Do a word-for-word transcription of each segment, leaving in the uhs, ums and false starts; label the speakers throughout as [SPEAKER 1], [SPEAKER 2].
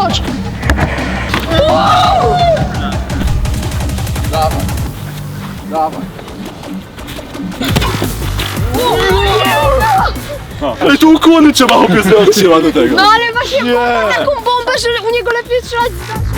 [SPEAKER 1] Chodź! Dawaj. Dawaj.
[SPEAKER 2] Ale tu ukłony trzeba chłopie zrobić się do tego.
[SPEAKER 1] No ale właśnie nie. Taką bombę, że u niego lepiej strzelać.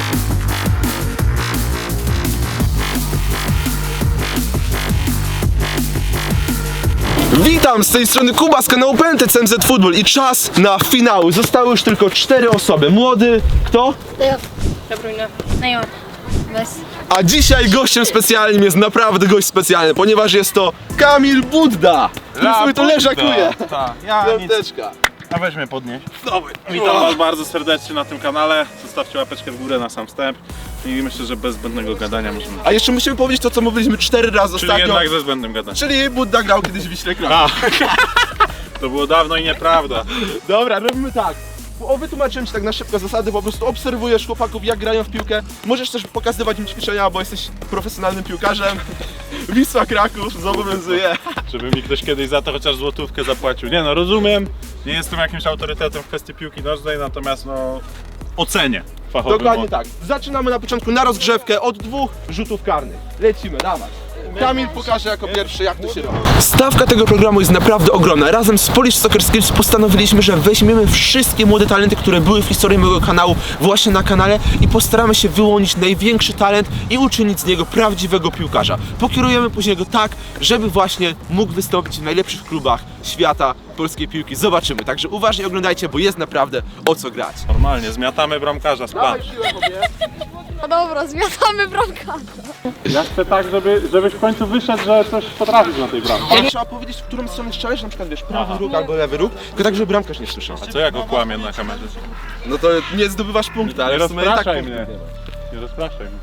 [SPEAKER 2] Witam, z tej strony Kuba z kanału P N T C M Z Football i czas na finały. Zostały już tylko cztery osoby. Młody, kto?
[SPEAKER 1] De Bruyne. Neymar. Messi.
[SPEAKER 2] A dzisiaj gościem specjalnym jest naprawdę gość specjalny, ponieważ jest to Kamil Budda, który sobie to leżakuje.
[SPEAKER 3] Tak, ja nic.
[SPEAKER 2] Piąteczka.
[SPEAKER 3] A weź mnie podnieś.
[SPEAKER 2] Dawaj.
[SPEAKER 3] Witam was bardzo serdecznie na tym kanale. Zostawcie łapeczkę w górę na sam wstęp. I myślę, że bez zbędnego gadania możemy...
[SPEAKER 2] A jeszcze musimy powiedzieć to, co mówiliśmy cztery razy
[SPEAKER 3] Czyli
[SPEAKER 2] ostatnio.
[SPEAKER 3] jednak ze zbędnym gadaniem.
[SPEAKER 2] Czyli Budda grał kiedyś w Wiśle Kraków.
[SPEAKER 3] A, to było dawno i nieprawda.
[SPEAKER 2] Dobra, robimy tak. O, wytłumaczyłem ci tak na szybko zasady, po prostu obserwujesz chłopaków, jak grają w piłkę. Możesz też pokazywać im ćwiczenia, bo jesteś profesjonalnym piłkarzem. Wisła Kraków zobowiązuje.
[SPEAKER 3] Żeby mi ktoś kiedyś za to chociaż złotówkę zapłacił. Nie no, rozumiem. Nie jestem jakimś autorytetem w kwestii piłki nożnej, natomiast no... ocenię fachowy
[SPEAKER 2] Dokładnie
[SPEAKER 3] mod.
[SPEAKER 2] tak. Zaczynamy na początku na rozgrzewkę od dwóch rzutów karnych. Lecimy, dawaj. Kamil pokaże jako pierwszy, jak to się robi. Stawka tego programu jest naprawdę ogromna. Razem z Polish Soccer Skills postanowiliśmy, że weźmiemy wszystkie młode talenty, które były w historii mojego kanału właśnie na kanale i postaramy się wyłonić największy talent i uczynić z niego prawdziwego piłkarza. Pokierujemy później go tak, żeby właśnie mógł wystąpić w najlepszych klubach świata polskiej piłki. Zobaczymy. Także uważnie oglądajcie, bo jest naprawdę o co grać.
[SPEAKER 3] Normalnie, zmiatamy bramkarza z planu.
[SPEAKER 1] No dobra, zmiatamy bramkarza.
[SPEAKER 3] Ja chcę tak, żeby, żebyś w końcu wyszedł, że coś potrafisz na tej bramce.
[SPEAKER 2] Ale trzeba powiedzieć, w którą stronę strzelać, na przykład wiesz, prawy róg albo lewy róg, tylko tak, żeby bramkarz nie słyszał.
[SPEAKER 3] A co jak okłamie na kamerze?
[SPEAKER 2] No to nie zdobywasz punktu, ale
[SPEAKER 3] Nie
[SPEAKER 2] w sumie i tak
[SPEAKER 3] rozpraszaj
[SPEAKER 2] punktów
[SPEAKER 3] mnie.
[SPEAKER 2] nie ma.
[SPEAKER 3] Nie rozpraszaj mnie.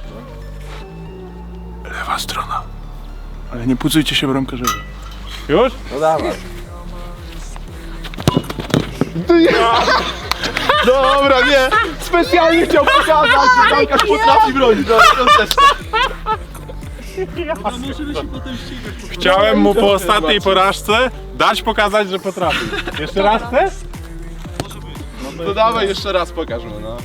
[SPEAKER 3] Lewa strona. Ale nie pucujcie się bramkarzowi. Już?
[SPEAKER 2] No dawaj. Dobra, nie! Specjalnie chciał pokazać, że bramkarz potrafi bronić. Dobra, piąteczka.
[SPEAKER 3] Chciałem mu po ostatniej porażce dać pokazać, że potrafi. Jeszcze raz chcesz?
[SPEAKER 2] No dawaj, jeszcze raz pokaż mu, no.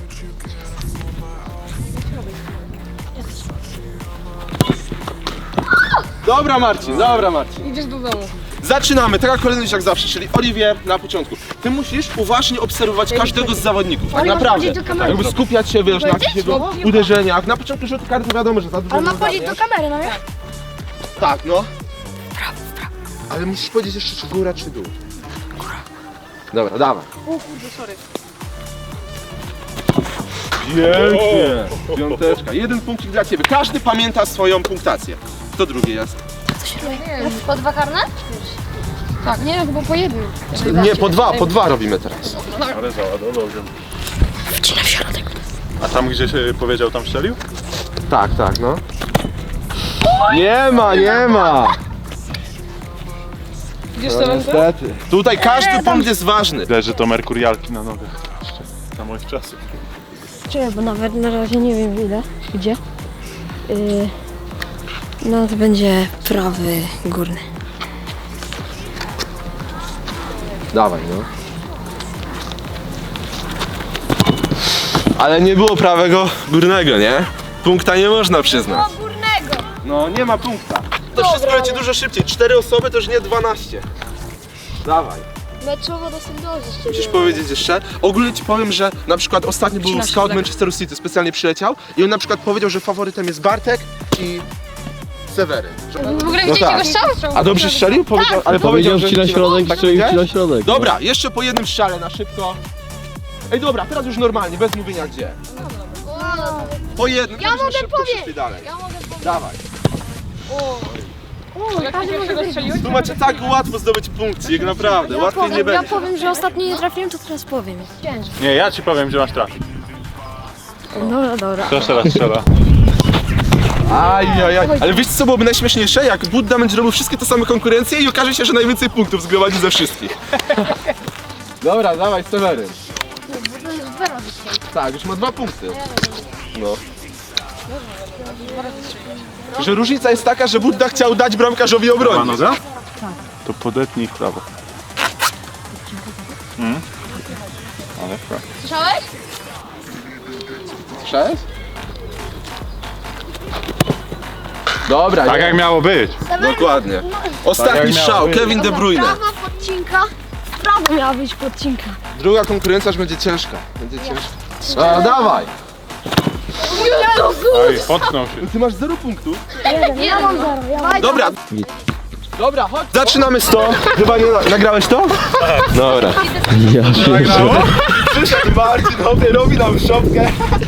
[SPEAKER 2] Dobra Marcin, dobra Marcin.
[SPEAKER 1] Idziesz do domu.
[SPEAKER 2] Zaczynamy, taka kolejność jak zawsze, czyli Oliwier na początku. Ty musisz uważnie obserwować każdego z zawodników, tak
[SPEAKER 1] Oli, masz
[SPEAKER 2] naprawdę.
[SPEAKER 1] powiedzieć do kamery.
[SPEAKER 2] Jakby skupiać się, wiesz, na
[SPEAKER 1] Powiedzieć?
[SPEAKER 2] jakichś jego uderzeniach. Na początku rzutu karty wiadomo, że za dużo
[SPEAKER 1] Ale ma
[SPEAKER 2] nie
[SPEAKER 1] powiedzieć do
[SPEAKER 2] ogarniesz.
[SPEAKER 1] kamery, no nie?
[SPEAKER 2] Tak, no. Ale musisz powiedzieć jeszcze, czy góra, czy dół. Góra. Dobra, dawaj.
[SPEAKER 1] O kurde, sorry.
[SPEAKER 2] Pięknie. Piąteczka. Jeden punkcik dla ciebie. Każdy pamięta swoją punktację. Kto drugi jest?
[SPEAKER 1] Po dwa karne? Tak, nie, chyba po jednym.
[SPEAKER 2] Nie, po dwa, po dwa robimy teraz.
[SPEAKER 3] Ale załadował się. Wcina w środek. A tam gdzie się powiedział, tam strzelił?
[SPEAKER 2] Tak, tak, no. Nie ma, nie ma.
[SPEAKER 1] Widzisz
[SPEAKER 2] No, niestety. Tutaj każdy punkt jest ważny.
[SPEAKER 3] Widać, że to merkurialki na nogach. Jeszcze za moich czasów.
[SPEAKER 4] Czekaj, bo nawet na razie nie wiem ile, gdzie. Yy, no to będzie prawy górny.
[SPEAKER 2] Dawaj, no. Ale nie było prawego górnego, nie? Punkta nie można przyznać.
[SPEAKER 1] Górnego.
[SPEAKER 2] No, nie ma punkta. To wszystko leci dużo szybciej. Cztery osoby to już nie dwanaście. Dawaj.
[SPEAKER 1] Meczowo do Sandozy.
[SPEAKER 2] Musisz powiedzieć jeszcze. Ogólnie ci powiem, że na przykład ostatnio był scout Manchesteru City, specjalnie przyleciał i on na przykład powiedział, że faworytem jest Bartek i Seweryn.
[SPEAKER 1] W ogóle
[SPEAKER 2] No
[SPEAKER 1] widzicie
[SPEAKER 2] tak.
[SPEAKER 1] go strzał?
[SPEAKER 2] A dobrze strzelił? Powiedział, ale powiedział, że
[SPEAKER 5] ci na środek,
[SPEAKER 2] tak
[SPEAKER 5] strzelił
[SPEAKER 2] będzie?
[SPEAKER 5] ci na środek.
[SPEAKER 2] Dobra, jeszcze po jednym strzale na szybko. Ej dobra, teraz już normalnie, bez mówienia gdzie. Po jednym,
[SPEAKER 1] Ja
[SPEAKER 2] żebyśmy
[SPEAKER 1] mogę
[SPEAKER 2] szybko
[SPEAKER 1] powiedzieć.
[SPEAKER 2] przeszli dalej.
[SPEAKER 1] Ja mogę powiedzieć.
[SPEAKER 2] Dawaj.
[SPEAKER 1] Każdy może go strzelić?
[SPEAKER 2] Tu macie tak łatwo zdobyć punkcik, naprawdę, łatwiej nie
[SPEAKER 4] Ja
[SPEAKER 2] będzie.
[SPEAKER 4] powiem, że ostatnio nie trafiłem, to teraz powiem.
[SPEAKER 3] Nie, ja ci powiem, gdzie masz trafić.
[SPEAKER 4] Dobra, dobra.
[SPEAKER 3] Kto teraz strzela?
[SPEAKER 2] Ajajaj, ale wiecie co byłoby najśmieszniejsze? Jak Budda będzie robił wszystkie te same konkurencje i okaże się, że najwięcej punktów zgromadzi ze wszystkich. Dobra, dawaj Seweryn. Tak, już ma dwa punkty. No. Że różnica jest taka, że Budda chciał dać bramkarzowi
[SPEAKER 3] Prawa
[SPEAKER 2] obronić.
[SPEAKER 3] noga? Tak. To podetnij w prawo. Mm. Ale w prawo.
[SPEAKER 1] Słyszałeś?
[SPEAKER 2] Słyszałeś? Dobra,
[SPEAKER 3] Tak
[SPEAKER 2] nie.
[SPEAKER 3] jak miało być.
[SPEAKER 2] Dokładnie.
[SPEAKER 3] Tak
[SPEAKER 2] Ostatni
[SPEAKER 3] jak miało
[SPEAKER 2] strzał,
[SPEAKER 3] być.
[SPEAKER 2] Kevin De Bruyne.
[SPEAKER 4] Prawa podcinka. Prawo miała być podcinka.
[SPEAKER 2] Druga konkurencja już będzie ciężka. Będzie ciężka. A, dawaj!
[SPEAKER 3] Oj, potknął się.
[SPEAKER 2] Ty masz zero punktów.
[SPEAKER 4] Ja mam zero. Ja mam...
[SPEAKER 2] Dobra. Dobra, chodź. Zaczynamy z to. Chyba nie nagrałeś to? Dobra.
[SPEAKER 3] Nagrało?
[SPEAKER 2] Przyszedł Marcin, dobry, robi nam szopkę.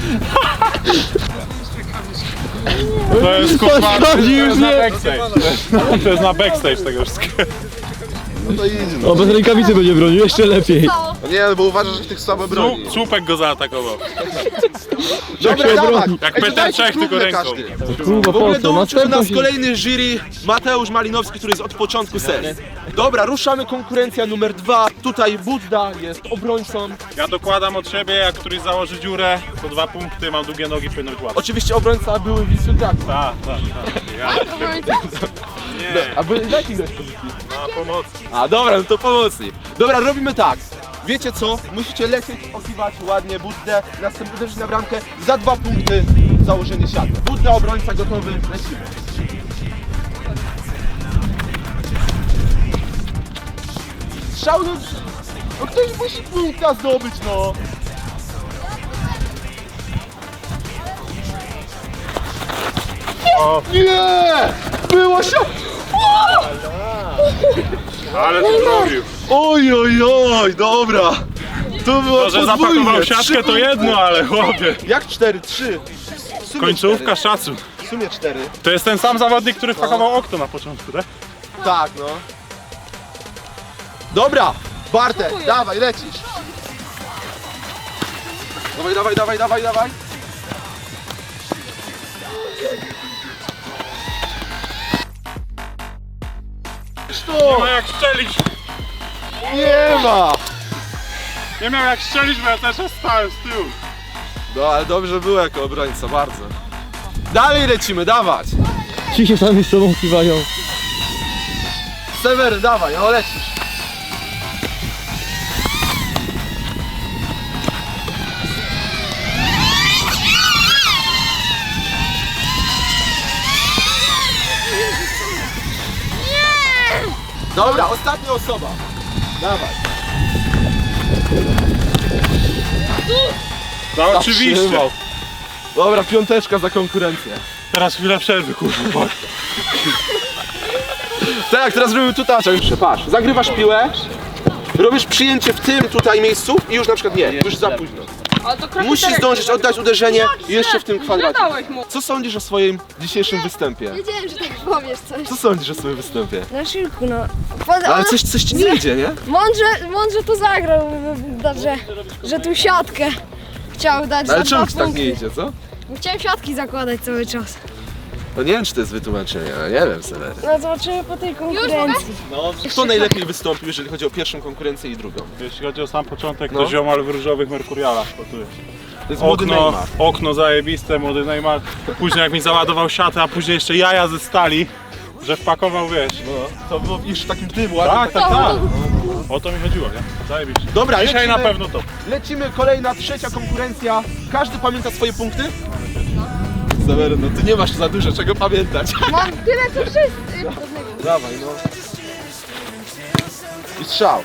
[SPEAKER 3] To jest kurwa, to
[SPEAKER 2] Chodzi już
[SPEAKER 3] jest na
[SPEAKER 2] nie.
[SPEAKER 3] backstage. To jest na backstage tego wszystkiego.
[SPEAKER 2] No to idzie. No.
[SPEAKER 5] O, bez rękawicy będzie bronił, jeszcze lepiej.
[SPEAKER 2] No nie, bo uważasz, że tych słabo broni.
[SPEAKER 3] Słup- Słupek go zaatakował.
[SPEAKER 2] Dobra,
[SPEAKER 5] się
[SPEAKER 2] dawaj.
[SPEAKER 5] obroni.
[SPEAKER 3] Jak
[SPEAKER 2] Ej,
[SPEAKER 3] Peter
[SPEAKER 2] dodajcie
[SPEAKER 3] Czech, tylko
[SPEAKER 2] próbne
[SPEAKER 3] ręką.
[SPEAKER 2] każdy.
[SPEAKER 5] Kurwa,
[SPEAKER 2] W ogóle
[SPEAKER 5] po co?
[SPEAKER 2] dołączył do
[SPEAKER 5] Następną
[SPEAKER 2] nas
[SPEAKER 5] się...
[SPEAKER 2] kolejny jury Mateusz Malinowski, który jest od początku serii. Dobra, ruszamy konkurencja numer dwa. Tutaj Budda jest obrońcą.
[SPEAKER 3] Ja dokładam od siebie, jak któryś założy dziurę, to dwa punkty, mam długie nogi, powinno być łatwo.
[SPEAKER 2] Oczywiście obrońca były Wisły Kraków.
[SPEAKER 3] Tak, tak, tak. Ja nie,
[SPEAKER 2] A były w jakiej grać pozycji?
[SPEAKER 3] na pomocy.
[SPEAKER 2] A dobra, no to pomocnik. Dobra, robimy tak. Wiecie co? Musicie lecieć, okiwać ładnie Buddę, następnie uderzyć na bramkę za dwa punkty założenie siatki. Budda, obrońca gotowy, lecimy. Strzał, no, no ktoś musi punkta zdobyć, no.
[SPEAKER 3] O,
[SPEAKER 2] Nie! Było się!
[SPEAKER 3] ale to zrobił.
[SPEAKER 2] Oj, oj, oj, dobra. To było
[SPEAKER 3] To, że
[SPEAKER 2] podwójnie.
[SPEAKER 3] zapakował
[SPEAKER 2] Trzy
[SPEAKER 3] siatkę to
[SPEAKER 2] punkty.
[SPEAKER 3] jedno, ale chłopie.
[SPEAKER 2] Jak cztery? Trzy. W sumie
[SPEAKER 3] Końcówka
[SPEAKER 2] cztery.
[SPEAKER 3] szacun.
[SPEAKER 2] W sumie cztery.
[SPEAKER 3] To jest ten sam zawodnik, który wpakował okno na początku, tak?
[SPEAKER 2] Tak, no. Dobra, Bartek, dawaj, lecisz. Dawaj, dawaj, dawaj, dawaj, dawaj.
[SPEAKER 3] Nie ma jak strzelić.
[SPEAKER 2] Nie ma!
[SPEAKER 3] Nie miał jak strzelić, bo ja też stałem z tyłu.
[SPEAKER 2] No, ale dobrze było jako obrońca, bardzo. Dalej lecimy, dawać.
[SPEAKER 5] Ci się sami z sobą kiwają.
[SPEAKER 2] Sewer, dawaj, no lecisz. Dobra, ostatnia osoba. Dawaj.
[SPEAKER 3] No oczywiście.
[SPEAKER 2] Zatrzymał. Dobra, piąteczka za konkurencję.
[SPEAKER 3] Teraz chwila przerwy, kurwa.
[SPEAKER 2] Tak, teraz robimy tutaczek. Patrz, zagrywasz piłę, robisz przyjęcie w tym tutaj miejscu i już na przykład nie, już za późno.
[SPEAKER 1] Ale to kroki
[SPEAKER 2] Musisz
[SPEAKER 1] cztery.
[SPEAKER 2] zdążyć oddać uderzenie jeszcze w tym kwadracie.
[SPEAKER 1] Dałeś mu.
[SPEAKER 2] Co sądzisz o swoim dzisiejszym występie?
[SPEAKER 4] Wiedziałem, że tak powiesz coś.
[SPEAKER 2] Co sądzisz o swoim występie?
[SPEAKER 4] Na szybku, no. Pod...
[SPEAKER 2] Ale coś, coś ci nie idzie, nie?
[SPEAKER 4] Mądrze, mądrze to zagrał, dobrze, że tu siatkę chciał dać
[SPEAKER 2] Ale
[SPEAKER 4] za
[SPEAKER 2] czemu
[SPEAKER 4] dwa
[SPEAKER 2] ci tak
[SPEAKER 4] punkty.
[SPEAKER 2] nie idzie, co?
[SPEAKER 4] Bo chciałem siatki zakładać cały czas.
[SPEAKER 2] No nie wiem, czy to jest wytłumaczenie, ale nie wiem, Sewery.
[SPEAKER 4] No zobaczymy po tej konkurencji.
[SPEAKER 2] Kto najlepiej wystąpił, jeżeli chodzi o pierwszą konkurencję i drugą?
[SPEAKER 3] Jeśli chodzi o sam początek,
[SPEAKER 2] No.
[SPEAKER 3] to ziomal w różowych Merkurialach. Bo tu jest.
[SPEAKER 2] To jest młody
[SPEAKER 3] Okno,
[SPEAKER 2] Neymar.
[SPEAKER 3] okno zajebiste, młody Neymar. Później jak mi załadował siatę, a później jeszcze jaja ze stali, że wpakował, wiesz.
[SPEAKER 2] No, to było już w takim tym ładnym.
[SPEAKER 3] Tak, tak, tak. O to mi chodziło, nie? Zajebiście.
[SPEAKER 2] Dobra,
[SPEAKER 3] Dzisiaj
[SPEAKER 2] lecimy.
[SPEAKER 3] na pewno to.
[SPEAKER 2] Lecimy, kolejna, trzecia konkurencja. Każdy pamięta swoje punkty? Sewery, no ty nie masz za dużo czego pamiętać.
[SPEAKER 1] Mam tyle co wszyscy.
[SPEAKER 2] Dawaj, no. I strzał.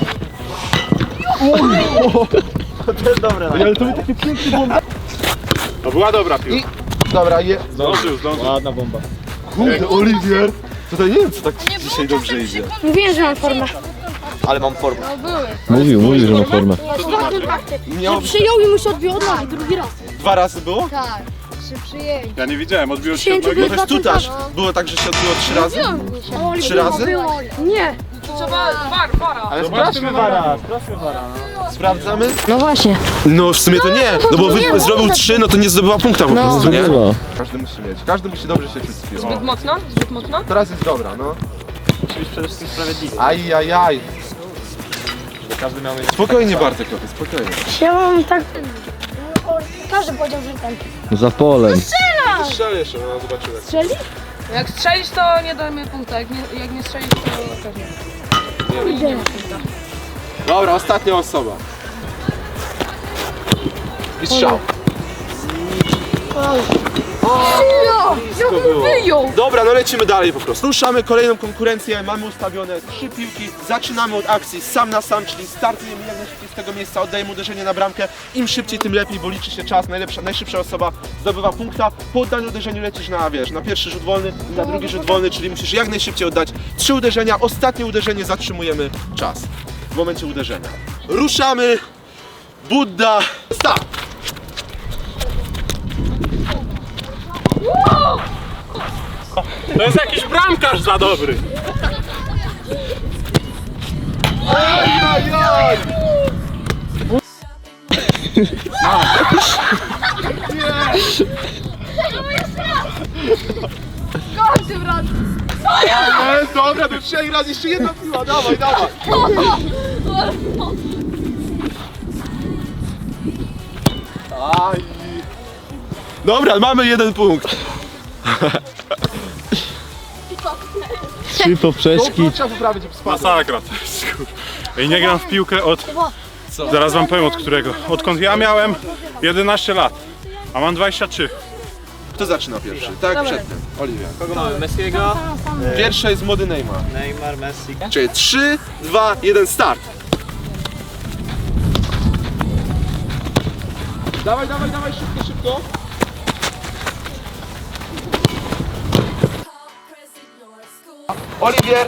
[SPEAKER 2] To jest dobre. Ale to był taki piękny bomba.
[SPEAKER 3] To była dobra piłka.
[SPEAKER 2] I... Dobra, je...
[SPEAKER 3] Zdążył, zdążył.
[SPEAKER 5] Ładna bomba.
[SPEAKER 2] Kurde, Oliwier. Tutaj nie wiem, co tak dzisiaj dobrze idzie.
[SPEAKER 4] Mówiłem, że mam formę.
[SPEAKER 2] Ale mam formę.
[SPEAKER 5] Mówił, mówił, że ma formę.
[SPEAKER 2] Miało być...
[SPEAKER 4] Przyjął i mu się odbił od nogi drugi raz.
[SPEAKER 2] Dwa razy było?
[SPEAKER 4] Tak, przy przyjęciu.
[SPEAKER 3] Ja nie widziałem, odbiło się
[SPEAKER 4] Przyjęcie
[SPEAKER 3] od nogi.
[SPEAKER 2] No to jest tutaż. Było tak, że się odbyło trzy razy? Trzy razy?
[SPEAKER 4] Nie.
[SPEAKER 1] Trzeba war, wara.
[SPEAKER 2] Ale sprawdźmy wara. Sprawdzamy?
[SPEAKER 4] No właśnie.
[SPEAKER 2] No w sumie to nie, no bo wy zrobił trzy, no to nie zdobyła punkta po prostu, nie?
[SPEAKER 5] Chyba.
[SPEAKER 2] Każdy musi mieć, każdy musi dobrze się czuć z piłą.
[SPEAKER 1] Zbyt mocno? Zbyt mocno?
[SPEAKER 2] Teraz jest dobra, no. Musi być przede wszystkim sprawiedliwy. Aj, aj, aj. Każdy miał mieć... Spokojnie Bartek, lepiej, spokojnie.
[SPEAKER 4] Ja mam tak... Każdy powiedział, że ten.
[SPEAKER 5] Za polem.
[SPEAKER 2] Strzel jeszcze, no zobaczymy.
[SPEAKER 4] Strzeli?
[SPEAKER 1] Jak strzelisz to nie dajmy punkta, jak nie, jak nie strzelisz to pewnie.
[SPEAKER 4] Idę.
[SPEAKER 2] Dobra, ostatnia osoba. I strzał.
[SPEAKER 1] Jak on wyjął!
[SPEAKER 2] Dobra, no lecimy dalej po prostu. Ruszamy kolejną konkurencję, mamy ustawione trzy piłki. Zaczynamy od akcji sam na sam, czyli startujemy jak najszybciej z tego miejsca, oddajemy uderzenie na bramkę. Im szybciej, tym lepiej, bo liczy się czas. Najlepsza, najszybsza osoba zdobywa punkta. Po oddaniu uderzeniu lecisz na, wiesz, na pierwszy rzut wolny i na drugi rzut wolny, czyli musisz jak najszybciej oddać trzy uderzenia. Ostatnie uderzenie zatrzymujemy czas w momencie uderzenia. Ruszamy. Budda. Start!
[SPEAKER 3] To jest jakiś bramkarz za dobry.
[SPEAKER 2] Ajajaj!
[SPEAKER 1] Każdy brat!
[SPEAKER 2] Ale dobra, to trzech razy jeszcze jedna piła, dawaj, dawaj! Aj. Dobra, mamy jeden punkt.
[SPEAKER 5] Trzy poprzeczki.
[SPEAKER 2] To trzeba poprawić, żeby spadł.
[SPEAKER 3] Masakra to jest, kur... Ej, nie gram w piłkę od... Zaraz wam powiem od którego. Odkąd ja miałem jedenaście lat, a mam dwadzieścia trzy.
[SPEAKER 2] Kto zaczyna pierwszy? Tak jak przedtem. Oliwia.
[SPEAKER 6] Kogo mamy? Messiego,
[SPEAKER 2] Pierwsza jest młody Neymar.
[SPEAKER 6] Neymar, Messi.
[SPEAKER 2] Czyli trzy, dwa, jeden, start. Dawaj, dawaj, dawaj, szybko, szybko. Oliwier.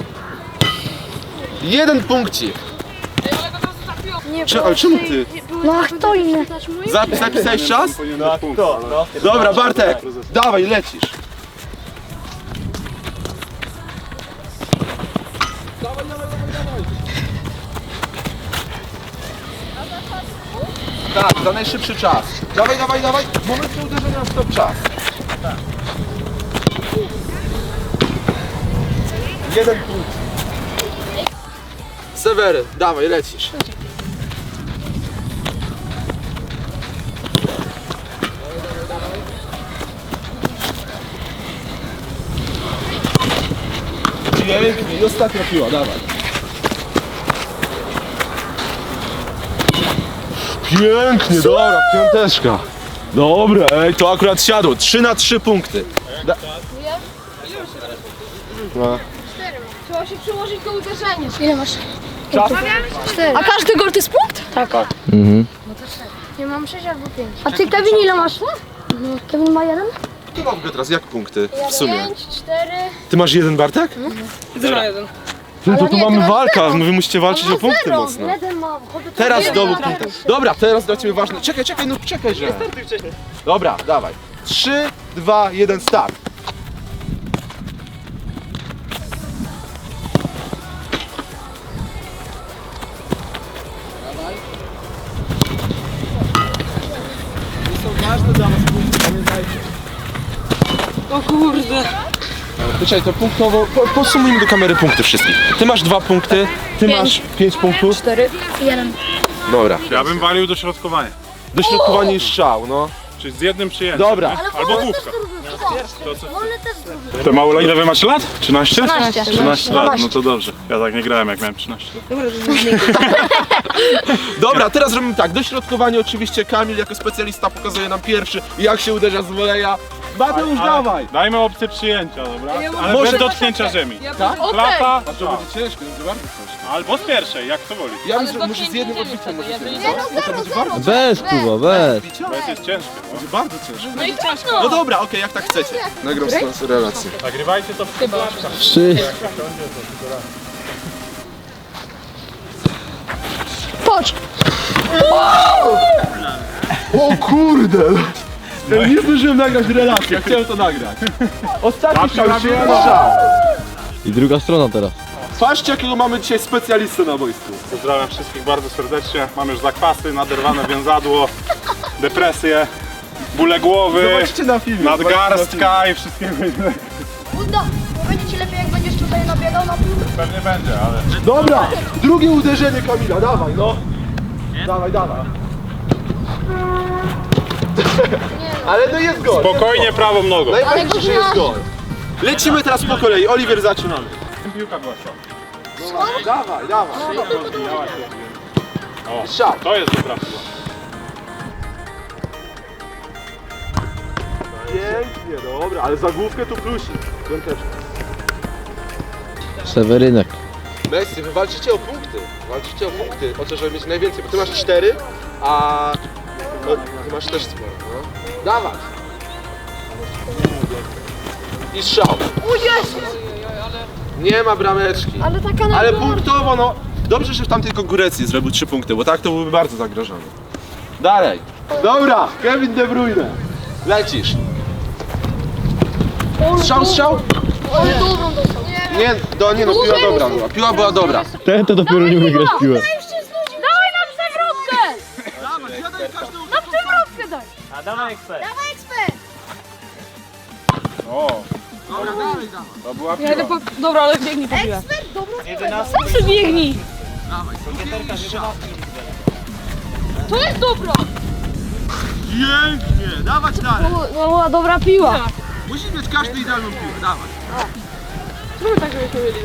[SPEAKER 2] Jeden punkcik. Cze- ale czemu ty?
[SPEAKER 4] No a kto inny?
[SPEAKER 2] Zapis, zapisałeś czas?
[SPEAKER 3] No, kto? No.
[SPEAKER 2] Dobra, Bartek, dawaj, lecisz. Dawaj, dawaj, dawaj, dawaj. Tak, za najszybszy czas. Dawaj, dawaj, dawaj. W momencie uderzenia stop czas. Jeden punkt. Sewery, dawaj, lecisz. Pięknie, i ostatnia piła, dawaj. Pięknie, dobra, piąteczka. Dobra, ej, to akurat siadło. trzy na trzy punkty. Da- no.
[SPEAKER 1] Trzeba się przyłożyć do uderzenia. Ile masz?
[SPEAKER 2] Czas?
[SPEAKER 1] Cztery.
[SPEAKER 4] A każdy gol to jest punkt? Tak.
[SPEAKER 5] Mhm.
[SPEAKER 1] Nie mam sześć albo pięć.
[SPEAKER 4] A ty Kevin ile masz? No, Kevin ma jeden?
[SPEAKER 2] Ty mam teraz jak punkty w sumie?
[SPEAKER 1] Pięć, cztery.
[SPEAKER 2] Ty masz jeden, Bartek?
[SPEAKER 1] Zero jeden.
[SPEAKER 2] No to tu
[SPEAKER 1] nie,
[SPEAKER 2] mamy
[SPEAKER 1] ty masz
[SPEAKER 2] walka,
[SPEAKER 1] zero.
[SPEAKER 2] wy musicie walczyć o punkty
[SPEAKER 4] Zero.
[SPEAKER 2] mocno.
[SPEAKER 4] Jeden mam. Chodzę
[SPEAKER 2] Teraz
[SPEAKER 4] jeden
[SPEAKER 2] znowu
[SPEAKER 4] mam.
[SPEAKER 2] punkty. Dobra, teraz dla ciebie ważne. Czekaj, czekaj, no czekaj, że. Dobra, dawaj. trzy, dwa, jeden, start. Ważne dla was punkty, pamiętajcie.
[SPEAKER 1] O kurde.
[SPEAKER 2] Czekaj, to punktowo, po, posumujmy do kamery punkty wszystkich. Ty masz dwa punkty, ty masz pięć punktów.
[SPEAKER 1] Cztery.
[SPEAKER 4] Jeden.
[SPEAKER 2] Dobra.
[SPEAKER 3] Ja bym walił dośrodkowanie.
[SPEAKER 2] Dośrodkowanie i strzał, no.
[SPEAKER 3] Czyli z jednym przyjęciem.
[SPEAKER 2] Dobra.
[SPEAKER 3] nie? Albo główka.
[SPEAKER 4] Wolny też drugi.
[SPEAKER 3] To mało, ile wy macie lat? trzynaście?
[SPEAKER 4] trzynaście.
[SPEAKER 3] trzynaście lat, no to dobrze. Ja tak nie grałem jak miałem trzynaście lat.
[SPEAKER 2] Dobra, teraz robimy tak. Dośrodkowanie oczywiście Kamil jako specjalista pokazuje nam pierwszy, jak się uderza z woleja. Mateusz, dawaj!
[SPEAKER 3] Dajmy opcję przyjęcia, dobra? Ale
[SPEAKER 2] Może-
[SPEAKER 3] bez dotknięcia ziemi.
[SPEAKER 2] Tak?
[SPEAKER 3] Klapa,
[SPEAKER 2] A to będzie ciężko, będzie bardzo ciężko.
[SPEAKER 3] albo z pierwszej, jak to woli.
[SPEAKER 2] Ja myślę, że może z jednym odbiciem może być, co? Bo to będzie bardzo
[SPEAKER 5] Bez, Kuba, bez.
[SPEAKER 3] Bo jest ciężkie. No.
[SPEAKER 2] będzie bardzo ciężko. No dobra, okej, jak tak chcecie. Nagram z nas relację.
[SPEAKER 3] Nagrywajcie to w flaszkach.
[SPEAKER 5] Trzy.
[SPEAKER 4] Patrz.
[SPEAKER 2] O kurde! Ja nie zdążyłem nagrać relacji, ja chciałem to nagrać. Ostatni strzał, jeszcze jeden strzał.
[SPEAKER 5] I druga strona teraz.
[SPEAKER 2] Patrzcie, jakiego mamy dzisiaj specjalistę na boisku.
[SPEAKER 3] Pozdrawiam wszystkich bardzo serdecznie. Mam już zakwasy, naderwane więzadło, depresję, bóle głowy,
[SPEAKER 2] Zobaczcie na filmie.
[SPEAKER 3] nadgarstka i wszystkiego innego.
[SPEAKER 4] Buda, będzie ci lepiej jak będziesz tutaj nabiegał na piłkę.
[SPEAKER 3] Pewnie będzie, ale...
[SPEAKER 2] Dobra, drugie uderzenie Kamila, dawaj no. Dawaj, dawaj. Ale no jest gol.
[SPEAKER 3] Spokojnie prawą nogą.
[SPEAKER 2] Najważniejsze, że jest gol. Lecimy teraz po kolei. Oliwier, zaczynamy.
[SPEAKER 3] Piłka była szok.
[SPEAKER 2] Dawaj, dawaj.
[SPEAKER 3] O,
[SPEAKER 2] Strzał.
[SPEAKER 3] to jest dobra piła.
[SPEAKER 2] Pięknie, dobra, ale za główkę tu plusik. Piąteczka.
[SPEAKER 5] Sewerynek.
[SPEAKER 2] Messi, wy walczycie o punkty. Walczycie o punkty, o to, żeby mieć najwięcej, bo ty masz cztery, a no, ty masz też sporo, no. Dawaj. I strzał.
[SPEAKER 1] O Jezu!
[SPEAKER 2] Nie ma brameczki.
[SPEAKER 1] Ale taka na
[SPEAKER 2] Ale
[SPEAKER 1] górę.
[SPEAKER 2] punktowo, no. Dobrze, że w tamtej konkurencji zrobił trzy punkty, bo tak to byłby bardzo zagrożony. Dalej. Dobra, Kevin De Bruyne. Lecisz. Strzał, strzał?
[SPEAKER 1] Ale dobrą dostał.
[SPEAKER 2] Nie, do, nie no, piła dobra była. Piła była dobra.
[SPEAKER 5] Ten to dopiero nie umie grać w piłę.
[SPEAKER 1] Dawaj na przewrotkę! Na przewrotkę daj!
[SPEAKER 6] A dawaj ekspert.
[SPEAKER 1] Dawaj ekspert!
[SPEAKER 3] O,
[SPEAKER 2] Dobra, dalej, dawaj.
[SPEAKER 3] to była
[SPEAKER 1] Ja idę
[SPEAKER 3] piła.
[SPEAKER 1] po... Dobra, ale biegnij po piłę.
[SPEAKER 2] Tak.
[SPEAKER 1] Ekspert, dobra.
[SPEAKER 6] jedenasty.
[SPEAKER 1] Sam sobie biegnij!
[SPEAKER 2] Dawaj,
[SPEAKER 6] Gieterka z jedenastki.
[SPEAKER 1] To jest dobra!
[SPEAKER 2] pięknie, dawać dalej.
[SPEAKER 1] No była dobra piła.
[SPEAKER 2] Musi mieć każdy idealną piłę, dawaj.
[SPEAKER 1] Zróbmy tak, żebyśmy mieli.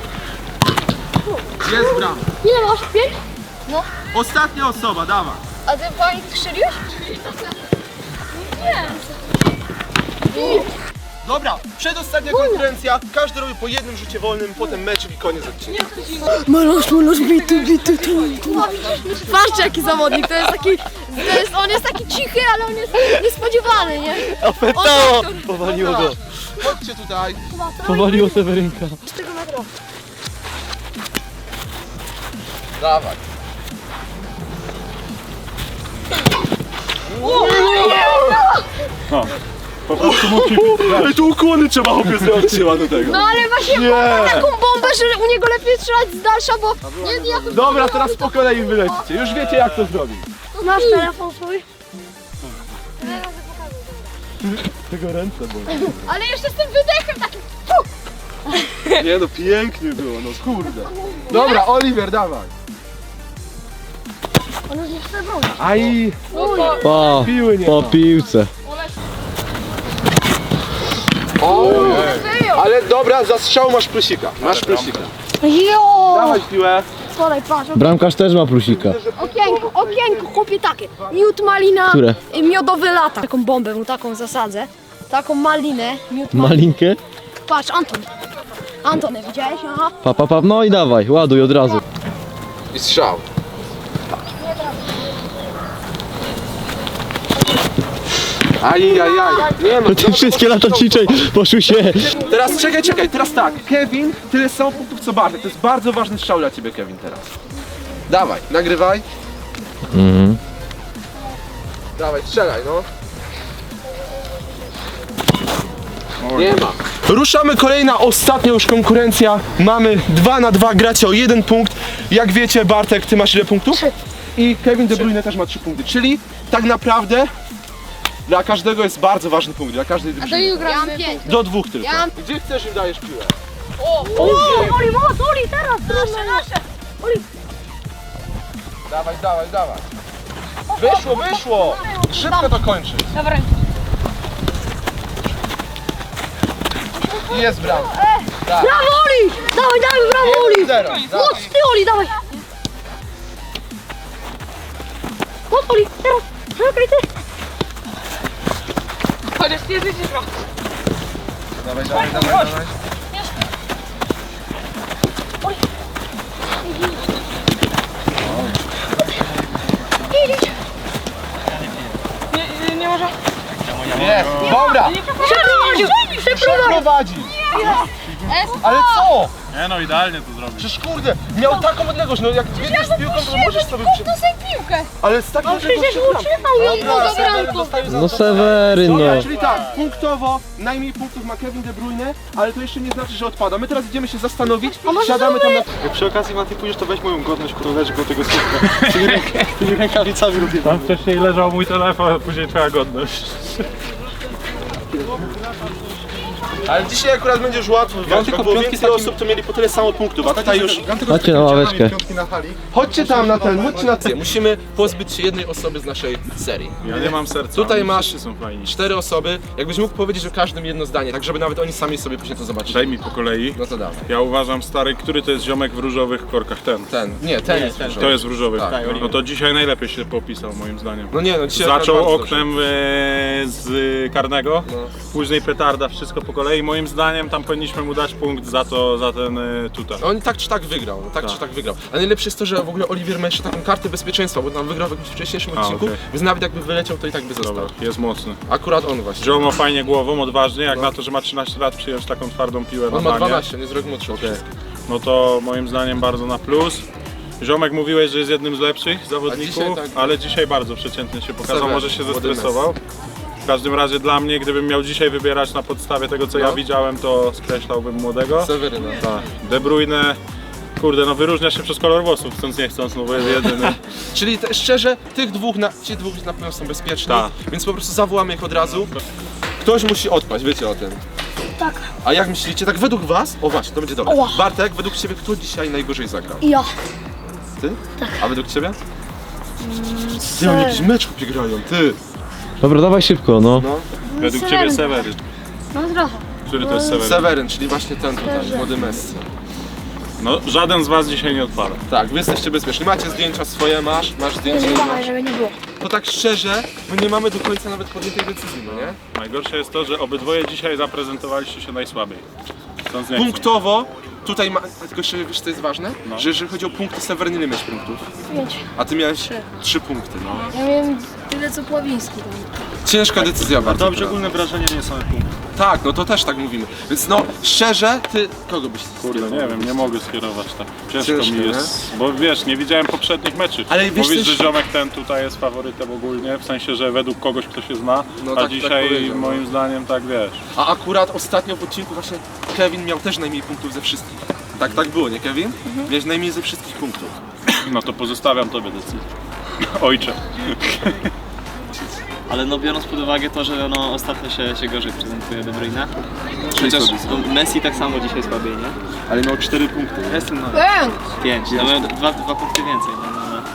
[SPEAKER 2] Jest bram.
[SPEAKER 1] Ile masz? Pięć?
[SPEAKER 2] Ostatnia osoba, dawaj.
[SPEAKER 1] A ty pani strzeliłeś? Nie.
[SPEAKER 2] Dobra, przedostatnia konkurencja. Każdy robi po jednym rzucie wolnym, potem mecz i koniec odcinka.
[SPEAKER 4] Malusz, malusz, bitu, bitu, tu, tu.
[SPEAKER 1] Patrzcie jaki zawodnik, to jest taki, to jest, on jest taki cichy, ale on jest niespodziewany, nie?
[SPEAKER 5] Opętało! Powaliło go.
[SPEAKER 2] Chodźcie tutaj.
[SPEAKER 5] Powaliło Sewerynka.
[SPEAKER 2] Dawaj.
[SPEAKER 3] No, po prostu musi
[SPEAKER 2] Ej, tu ukłony trzeba chłopie zrobić do tego.
[SPEAKER 1] No ale właśnie
[SPEAKER 2] Nie.
[SPEAKER 1] ma taką bombę, że u niego lepiej strzelać z dalsza, bo nie, nie jakoś...
[SPEAKER 2] Dobra, teraz po kolei wylecicie. Już wiecie jak to zrobić.
[SPEAKER 1] Masz telefon swój?
[SPEAKER 2] Tego ręce bolą.
[SPEAKER 1] Ale jeszcze z tym wydechem takim...
[SPEAKER 2] Nie no, pięknie było, no kurde. Dobra, Oliver, dawaj.
[SPEAKER 1] On już nie chce bronić.
[SPEAKER 2] Aj,
[SPEAKER 5] Po,
[SPEAKER 2] piły nie
[SPEAKER 5] po
[SPEAKER 2] ma.
[SPEAKER 5] piłce.
[SPEAKER 2] O, ale dobra, za strzał masz plusika. Masz plusika.
[SPEAKER 1] Jo!
[SPEAKER 2] Dawaj piłę.
[SPEAKER 1] Słuchaj, patrz,
[SPEAKER 5] Bramkarz też ma plusika.
[SPEAKER 1] okienko, okienko, chłopie takie. Miód malina,
[SPEAKER 5] Które?
[SPEAKER 1] y, miodowy lata. Taką bombę mu taką zasadzę. Taką malinę, miód malina.
[SPEAKER 5] Malinkę?
[SPEAKER 1] Patrz, Anton. Anton, widziałeś? Aha.
[SPEAKER 5] Pa, pa, pa, no i dawaj, ładuj od razu.
[SPEAKER 2] I strzał. Ajajaj, nie no.
[SPEAKER 5] To ty wszystkie lata ciczej poszły się.
[SPEAKER 2] Teraz czekaj, czekaj, teraz tak. Kevin, tyle samo punktów co Bartek. To jest bardzo ważny strzał dla ciebie, Kevin, teraz. Dawaj, nagrywaj.
[SPEAKER 5] Mhm.
[SPEAKER 2] Dawaj, strzelaj, no. Nie ma. Ruszamy kolejna, ostatnia już konkurencja. Mamy dwa na dwa, gracie o jeden punkt. Jak wiecie, Bartek, ty masz ile punktów? I Kevin De Bruyne też ma trzy punkty. Czyli tak naprawdę dla każdego jest bardzo ważny punkt, dla każdej drużyny.
[SPEAKER 1] Ja mam pięć.
[SPEAKER 2] Do dwóch tylko.
[SPEAKER 1] Ja mam-
[SPEAKER 2] Gdzie chcesz im dajesz piłę?
[SPEAKER 1] Oli, moc, Oli, teraz, nasze, nasze.
[SPEAKER 2] Dawaj, dawaj, dawaj. Wyszło, wyszło! Szybko to kończy.
[SPEAKER 1] Dobra.
[SPEAKER 2] I jest bram.
[SPEAKER 1] Brawo, Oli! Dawaj, dawaj, brawo, Oli!
[SPEAKER 2] Zero.
[SPEAKER 1] Moc, ty, Oli, dawaj! Moc, Oli, teraz! Czekaj, ty! Chociaż nie życie trochę.
[SPEAKER 2] Dawaj, dawaj, dawaj, dawaj.
[SPEAKER 1] Nie, nie może.
[SPEAKER 2] Jest, dobra!
[SPEAKER 1] Przeprowadził! Przeprowadził!
[SPEAKER 2] Prowadzi! Ale co?
[SPEAKER 3] Nie no, idealnie to zrobił.
[SPEAKER 2] Przecież kurde, miał taką odległość, no jak biegniesz z piłką, to możesz sobie przy...
[SPEAKER 1] To sobie piłkę!
[SPEAKER 2] Ale z taką odległością...
[SPEAKER 1] Przecież utrzymał ją do bramką!
[SPEAKER 5] No Seweryn, no.
[SPEAKER 2] Dobra, czyli tak, punktowo najmniej punktów ma Kevin De Bruyne, ale to jeszcze nie znaczy, że odpada. My teraz idziemy się zastanowić, siadamy tam na...
[SPEAKER 7] Jak przy okazji Mati pójdziesz, to weź moją godność, którą leży koło tego słupka. Tymi, ręk- tymi rękawicami lubię.
[SPEAKER 3] Tam wcześniej leżał mój telefon, a później twoja godność.
[SPEAKER 2] Ale dzisiaj akurat będziesz łatwo wygrać,
[SPEAKER 7] tylko
[SPEAKER 2] bo było
[SPEAKER 7] piątki
[SPEAKER 2] więcej
[SPEAKER 7] takim-
[SPEAKER 2] osób, to mieli po tyle samo punktów, a tutaj już...
[SPEAKER 5] Chodźcie na ławeczkę.
[SPEAKER 7] Piątki na hali.
[SPEAKER 2] Chodźcie tam na ten, chodźcie na ten. Musimy pozbyć się jednej osoby z naszej serii.
[SPEAKER 3] Ja nie mam serca.
[SPEAKER 2] Tutaj
[SPEAKER 3] oni
[SPEAKER 2] masz
[SPEAKER 3] wszyscy są fajni.
[SPEAKER 2] cztery osoby, jakbyś mógł powiedzieć o każdym jedno zdanie, tak żeby nawet oni sami sobie później to zobaczyli.
[SPEAKER 3] Daj mi po kolei.
[SPEAKER 2] No to dawaj.
[SPEAKER 3] Ja uważam, stary, który to jest ziomek w różowych korkach? Ten.
[SPEAKER 2] Ten, nie, ten jest różowy.
[SPEAKER 3] To jest w różowych.
[SPEAKER 2] Tak,
[SPEAKER 3] no to dzisiaj najlepiej się popisał, moim zdaniem.
[SPEAKER 2] No nie, no dzisiaj
[SPEAKER 3] Zaczął
[SPEAKER 2] akurat bardzo
[SPEAKER 3] oknem e, z karnego,
[SPEAKER 2] No.
[SPEAKER 3] później petarda, wszystko po kolei. Moim zdaniem tam powinniśmy mu dać punkt za to, za ten e, tutaj.
[SPEAKER 2] dobrze. On tak czy tak wygrał, tak,
[SPEAKER 3] Tak.
[SPEAKER 2] czy tak wygrał. A najlepsze jest to, że w ogóle Oliwier ma jeszcze taką kartę bezpieczeństwa, bo tam wygrał w jakimś wcześniejszym
[SPEAKER 3] A,
[SPEAKER 2] odcinku,
[SPEAKER 3] okej.
[SPEAKER 2] więc nawet jakby wyleciał, to i tak by został.
[SPEAKER 3] Dobra, jest mocny.
[SPEAKER 2] Akurat on właśnie.
[SPEAKER 3] Joe ma fajnie głową, odważnie, jak
[SPEAKER 2] No.
[SPEAKER 3] na to, że ma trzynaście lat, przyjąć taką twardą piłę
[SPEAKER 2] On
[SPEAKER 3] na
[SPEAKER 2] ma
[SPEAKER 3] banie.
[SPEAKER 2] dwanaście, on jest rok młodszy od wszystkich.
[SPEAKER 3] No to moim zdaniem bardzo na plus. Ziomek mówiłeś, że jest jednym z lepszych zawodników,
[SPEAKER 2] dzisiaj tak.
[SPEAKER 3] ale dzisiaj bardzo przeciętnie się pokazał,
[SPEAKER 2] Sewer,
[SPEAKER 3] może się
[SPEAKER 2] młody
[SPEAKER 3] zestresował. W każdym razie dla mnie, gdybym miał dzisiaj wybierać na podstawie tego, co
[SPEAKER 2] No.
[SPEAKER 3] ja widziałem, to skreślałbym młodego.
[SPEAKER 2] Seweryna.
[SPEAKER 3] Tak. De Bruyne, kurde, no wyróżnia się przez kolor włosów, chcąc nie chcąc, no bo jest jedyny.
[SPEAKER 2] Czyli te, szczerze, tych dwóch, na, ci dwóch na pewno są bezpieczni,
[SPEAKER 3] Tak.
[SPEAKER 2] więc po prostu zawołamy ich od razu. Ktoś musi odpaść, wiecie o tym.
[SPEAKER 4] Tak.
[SPEAKER 2] A jak myślicie, tak według was? O właśnie, to będzie dobre.
[SPEAKER 4] Oła.
[SPEAKER 2] Bartek, według ciebie kto dzisiaj najgorzej zagrał?
[SPEAKER 4] Ja.
[SPEAKER 2] Ty? A według ciebie? Ty, oni jakiś mecz chłopie grają, ty!
[SPEAKER 5] Dobra, dawaj szybko, no.
[SPEAKER 2] No.
[SPEAKER 3] Według ciebie Seweryn.
[SPEAKER 4] No trochę.
[SPEAKER 3] Który to jest Seweryn?
[SPEAKER 2] Seweryn, czyli właśnie ten tutaj, młody Messi.
[SPEAKER 3] No żaden z was dzisiaj nie odpada.
[SPEAKER 2] Tak, wy jesteście bezpieczni. Macie zdjęcia swoje, masz, masz zdjęcie.
[SPEAKER 4] Nie
[SPEAKER 2] masz.
[SPEAKER 4] dawaj, żeby nie było.
[SPEAKER 2] To tak szczerze, my nie mamy do końca nawet podjętej decyzji, no nie?
[SPEAKER 3] Najgorsze jest to, że obydwoje dzisiaj zaprezentowaliście się najsłabiej. Chcąc nie chcąc.
[SPEAKER 2] Punktowo, tutaj ma, tylko jeszcze wiesz co jest ważne?
[SPEAKER 3] No.
[SPEAKER 2] Że jeżeli chodzi o punkty, Seweryn ile miałeś punktów?
[SPEAKER 4] Pięć.
[SPEAKER 2] A ty miałeś trzy punkty, no.
[SPEAKER 1] Ja miałem tyle co Pławiński tam.
[SPEAKER 2] Ciężka decyzja bardzo.
[SPEAKER 7] Dobrze,
[SPEAKER 2] prawda?
[SPEAKER 7] ogólne wrażenie nie są punkty.
[SPEAKER 2] Tak, no to też tak mówimy. Więc no, szczerze, ty kogo byś
[SPEAKER 3] Kurde, nie wiem, nie mogę skierować tak. Ciężko
[SPEAKER 2] Ciężko,
[SPEAKER 3] mi jest, bo wiesz, nie widziałem poprzednich meczów.
[SPEAKER 2] Ale wiesz
[SPEAKER 3] Mówisz,
[SPEAKER 2] też-
[SPEAKER 3] że ziomek ten tutaj jest faworytem ogólnie, w sensie, że według kogoś, kto się zna,
[SPEAKER 2] No
[SPEAKER 3] a
[SPEAKER 2] tak- tak
[SPEAKER 3] dzisiaj
[SPEAKER 2] powiedział, no.
[SPEAKER 3] moim zdaniem tak wiesz.
[SPEAKER 2] A akurat ostatnio w odcinku właśnie Kevin miał też najmniej punktów ze wszystkich. Tak, tak było, nie Kevin? Miałeś najmniej ze wszystkich punktów.
[SPEAKER 3] No to pozostawiam tobie decyzję. Ojcze.
[SPEAKER 6] Ale no biorąc pod uwagę to, że no ostatnio się, się gorzej prezentuje De Bruyne.
[SPEAKER 2] Czyli
[SPEAKER 6] Chociaż
[SPEAKER 2] słabiej.
[SPEAKER 6] no, Messi tak samo dzisiaj słabiej, nie?
[SPEAKER 2] Ale miał cztery punkty.
[SPEAKER 6] Ja jestem na
[SPEAKER 1] Bęk!
[SPEAKER 6] pięć, no miałem dwa, dwa punkty więcej, no, no, no.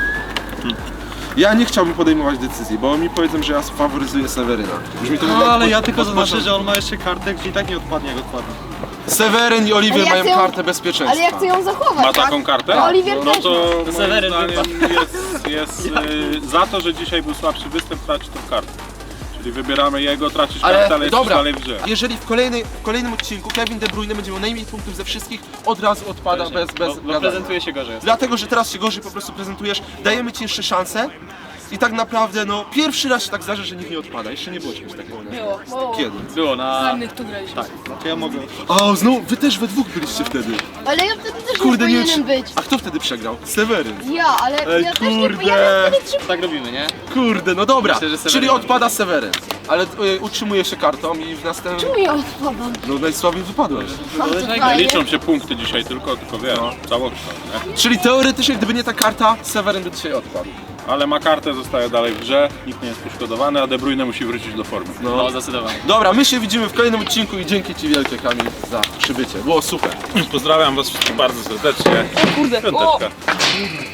[SPEAKER 2] Ja nie chciałbym podejmować decyzji, bo mi powiedzą, że ja faworyzuję Seweryna. Już mi to
[SPEAKER 7] No
[SPEAKER 2] chyba
[SPEAKER 7] ale
[SPEAKER 2] od-
[SPEAKER 7] ja tylko
[SPEAKER 2] od
[SPEAKER 7] zaznaczę,
[SPEAKER 2] początku-
[SPEAKER 7] że on ma jeszcze kartę, gdzie i tak nie odpadnie jak odpadnie.
[SPEAKER 2] Seweryn i Oliwier
[SPEAKER 1] Ale ja
[SPEAKER 2] mają
[SPEAKER 1] chcę ją-
[SPEAKER 2] kartę bezpieczeństwa.
[SPEAKER 1] Ale ja chcę ją zachować,
[SPEAKER 3] Ma
[SPEAKER 1] tak?
[SPEAKER 3] taką kartę?
[SPEAKER 1] A Oliwier
[SPEAKER 3] No
[SPEAKER 1] też
[SPEAKER 3] to moim
[SPEAKER 6] Seweryn
[SPEAKER 3] zdaniem jest, jest y, za to, że dzisiaj był słabszy występ, traci tą kartę. Czyli wybieramy jego, tracisz
[SPEAKER 2] Ale
[SPEAKER 3] kartę, ale jesteś
[SPEAKER 2] dobra,
[SPEAKER 3] dalej w grze.
[SPEAKER 2] jeżeli w, kolejnej, w kolejnym odcinku Kevin De Bruyne będzie miał najmniej punktów ze wszystkich, od razu odpada bez, bez
[SPEAKER 6] No, no
[SPEAKER 2] gadania.
[SPEAKER 6] prezentuje się gorzej.
[SPEAKER 2] Dlatego, że teraz się gorzej po prostu prezentujesz, dajemy ci jeszcze szansę i tak naprawdę, no, pierwszy raz się tak zdarza, że nikt nie odpada. Jeszcze nie było czegoś takiego. nie?
[SPEAKER 1] Było, było.
[SPEAKER 2] Kiedy?
[SPEAKER 6] Było na...
[SPEAKER 1] Czarnych tu graliśmy.
[SPEAKER 6] Tak.
[SPEAKER 7] To ja mogę.
[SPEAKER 2] A, znowu, wy też we dwóch byliście wtedy.
[SPEAKER 1] Ale ja wtedy też
[SPEAKER 2] Kurde,
[SPEAKER 1] nie
[SPEAKER 2] nie
[SPEAKER 1] powinienem
[SPEAKER 2] wiem,
[SPEAKER 1] być.
[SPEAKER 2] A kto wtedy przegrał? Seweryn.
[SPEAKER 1] Ja, ale
[SPEAKER 2] Ej,
[SPEAKER 1] ja też nie
[SPEAKER 2] kurde.
[SPEAKER 1] powinienem wtedy trzy...
[SPEAKER 6] Tak robimy, nie?
[SPEAKER 2] Kurde, no dobra,
[SPEAKER 6] Myślę, że Seweryn
[SPEAKER 2] czyli
[SPEAKER 6] ma
[SPEAKER 2] odpada Seweryn. Ale y, utrzymuje się kartą i w następnym...
[SPEAKER 1] Czemu ja odpadam?
[SPEAKER 2] No najsłabiej wypadłeś.
[SPEAKER 1] A, to
[SPEAKER 3] Nie
[SPEAKER 1] fajnie.
[SPEAKER 3] liczą się punkty dzisiaj tylko, tylko wiesz, całokształt, nie?
[SPEAKER 2] Czyli teoretycznie, gdyby nie ta karta, Seweryn by dzisiaj odpadł.
[SPEAKER 3] Ale ma kartę, zostaje dalej w grze, nikt nie jest poszkodowany, a De Bruyne musi wrócić do formy.
[SPEAKER 6] No, zdecydowanie.
[SPEAKER 2] Dobra, my się widzimy w kolejnym odcinku i dzięki ci wielkie, Kamil, za przybycie. Było super.
[SPEAKER 3] Pozdrawiam was wszystkich bardzo serdecznie.
[SPEAKER 1] Kurde, o!
[SPEAKER 3] Piąteczka.